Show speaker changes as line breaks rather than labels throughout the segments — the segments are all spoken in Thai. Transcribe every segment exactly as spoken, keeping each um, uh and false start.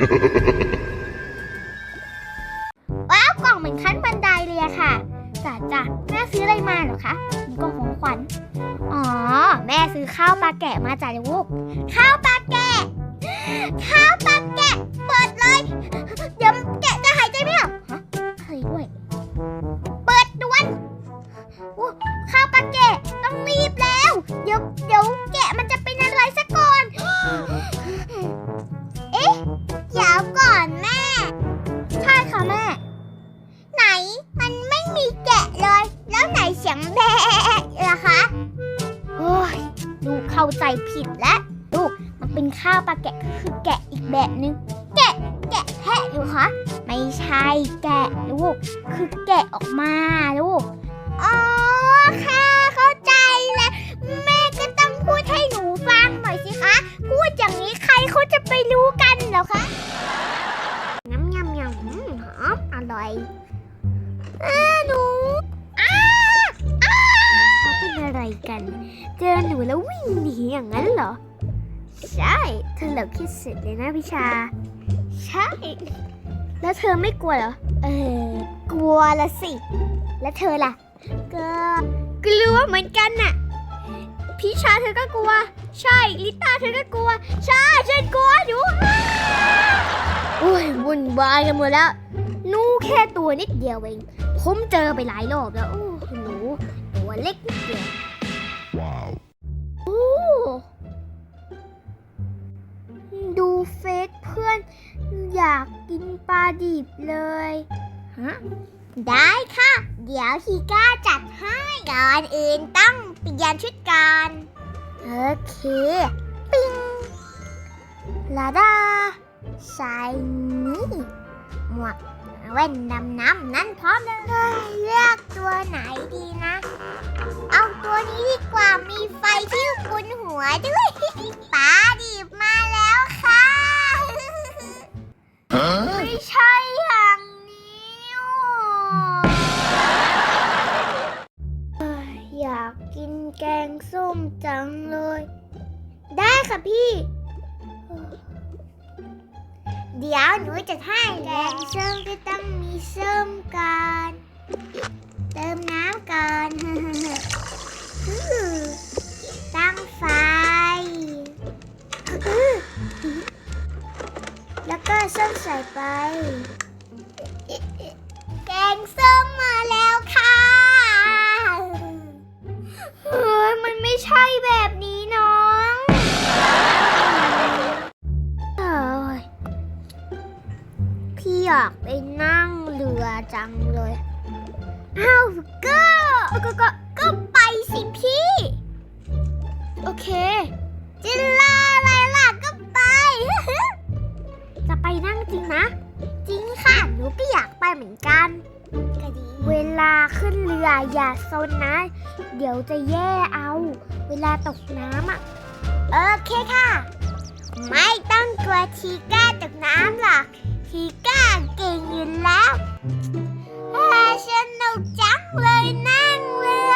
ว้าวกล่องเหมือนขั้นบันไดเลยอะค่ะจ้ะจ้ะแม่ซื้ออะไรมาเหรอคะมีกล่องของขวัญอ๋อแม่ซื้อข้าวปลาแกะมาจ้ะลูกข้าวปลาแกะข้าวปลาแกะเปิดเลยเดี๋ยวแกะจะหายใจไม่ออกฮะอะไรด้วยเปิดด่วนโอ้ข้าวปลาแกะต้องรีบแล้วเดี๋ยวเดี๋ยวแกะมันจะเป็นอะไรซะก่อนเอ๊ะเดี๋ยวก่อนแม่ใช่ค่ะแม่ไหนมันไม่มีแกะเลยแล้วไหนเสียงแบะล่ะคะโอ้ยลูกเข้าใจผิดแล้วลูกมันเป็นข้าวปลาแกะคือแกะอีกแบบนึงแกะแกะแพะอยู่คะไม่ใช่แกะลูกคือแกะออกมาลูกอ๋อค่ะเข้าใจแล้วแม่ก็ต้องพูดให้หนูฟังหน่อยสิคะพูดอย่างนี้ใครเขาจะไปรู้กันเหรอคะน้ำยำยำหอมอร่อยอ้าหนูอ้าอ้าเขาเป็นอะไรกันเจอหนูแล้ววิ่งหนีอย่างนั้นเหรอใช่เธอเหลือคิดเสร็จเลยนะพิชาใช่แล้วเธอไม่กลัวเหรอเออกลัวละสิแล้วเธอล่ะก็กลัวเหมือนกันน่ะพิชาเธอก็กลัวใช่ลิต้าเธอก็กลัวใช่ฉันกลัวอยู่โอ้ยวุ่นวายกันหมดแล้วหนูแค่ตัวนิดเดียวเองผมเจอไปหลายรอบแล้วโอ้หนูตัวเล็กนิดเดียวว้าวโอ้ดูเฟซเพื่อนอยากกินปลาดิบเลยฮะได้ค่ะเดี๋ยวฮีก้าจัดให้ก่อนอื่นต้องเปลี่ยนชุดก่อนโอเคปิ้งลาดาใส่นี่หมวกแว่นดำน้ำนั่นพร้อมเลยเลือกตัวไหนดีนะเอาตัวนี้ดีกว่ามีไฟที่บนหัวด้วยปลาดิบมาแล้วค่ะไม่ใช่อย่างนี้อยากกินแกงส้มจังเลยได้ค่ะพี่เดี๋ยวหนูจะให้แกงส้มก็ต้องมีส้มก่อนเติมน้ำก่อนตั้งไฟแล้วก็ส้มใส่ไปแกงส้มมาแล้วค่ะเฮ้ยมันไม่ใช่แบบนี้น้องพี่อยากไปนั่งเรือจังเลยอ้าวก็ก็ก็ก็ไปสิพี่โอเคจิลาอะไรล่ะก็ไป จะไปนั่งจริงนะจริงค่ะหนูก็อยากไปเหมือนกันก็ดีเวลาขึ้นเรืออย่าซนนะเดี๋ยวจะแย่เอาเวลาตกน้ำอ่ะโอเคค่ะไม่ต้องกลัวทีก้าตกน้ำหรอกทีก้าเก่งอยู่แล้วสนุกจังเลยนั่งเรือ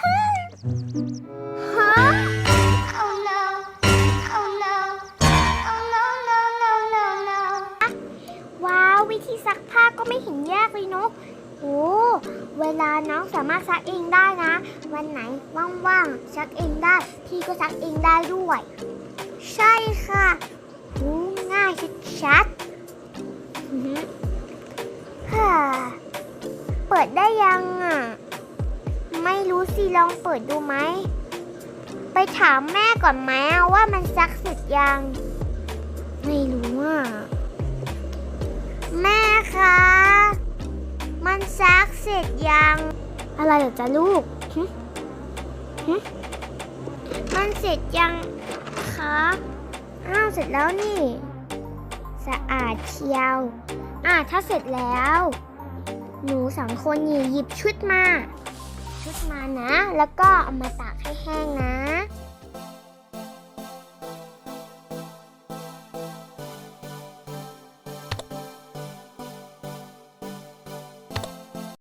ฮะ Oh no Oh no Oh no no no no no ว้าววิธีซักผ้าก็ไม่เห็นยากเลยเนาะโอ้เวลาน้องสามารถซักเองได้นะวันไหนว่างๆซักเองได้พี่ก็ซักเองได้ด้วยใช่ค่ะโอ้ง่ายชัดๆฮ่าเปิดได้ยังอ่ะไม่รู้สิลองเปิดดูไหมไปถามแม่ก่อนไหมว่ามันซักเสร็จยังไม่รู้อ่ะแม่คะมันซักเสร็จยังอะไรเหรอจ๊ะลูกฮึฮึมันเสร็จยังคะอ้าวเสร็จแล้วนี่สะอาดเชียวอ่ะถ้าเสร็จแล้วหนูสองคนหยิบชุดมาชุดมานะแล้วก็เอามาตากให้แห้งนะ